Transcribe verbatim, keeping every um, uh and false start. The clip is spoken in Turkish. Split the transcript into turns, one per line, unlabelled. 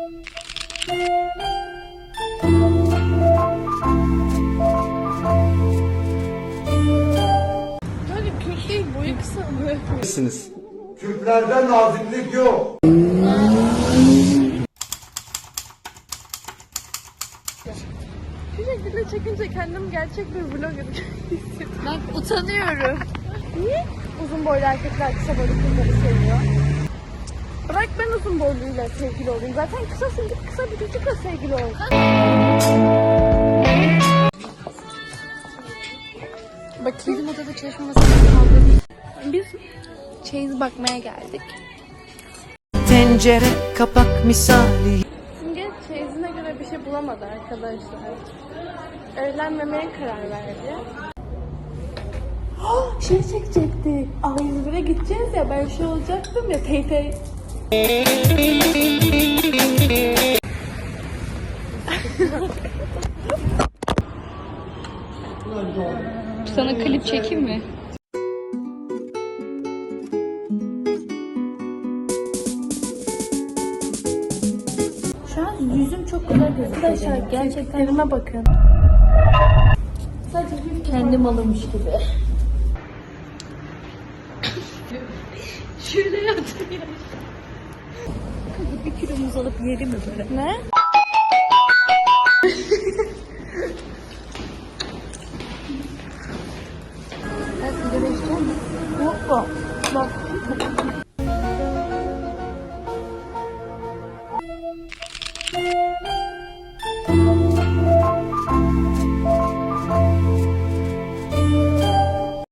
Böyle Kürt değil, boyu kısa mı?
Kürtlerden naziklik yok.
Şu şekilde çekince kendim gerçek bir vlogger hissediyorum. Ben utanıyorum. Niye uzun boylu erkekler kısa boylu kızları seviyor? Bırak ben uzun boyluyla sevgili olayım. Zaten kısasın, git kısa bir çocukla sevgili ol. Bakayım. Bizim odada çalışma masasını kaldırdık. Biz çeyiz bakmaya geldik.
Tencere kapak misali.
Simge çeyizine göre bir şey bulamadı arkadaşlar. Evlenmemeye karar verdi. Oh, şey çekecekti. Aa, İzmir'e gideceğiz ya, ben şey olacaktım ya, tey tey.
Sana klip çekeyim mi?
Şu an yüzüm çok güzel gözüküyor. Arkadaşlar gerçekten elime bakın. Sadece bir kendim alınmış gibi.
Şöyle yatıyor. Bir kilo muz alıp yerim mi böyle?
Ne? Ben sigara içeceğim mi? Yok mu? Bak.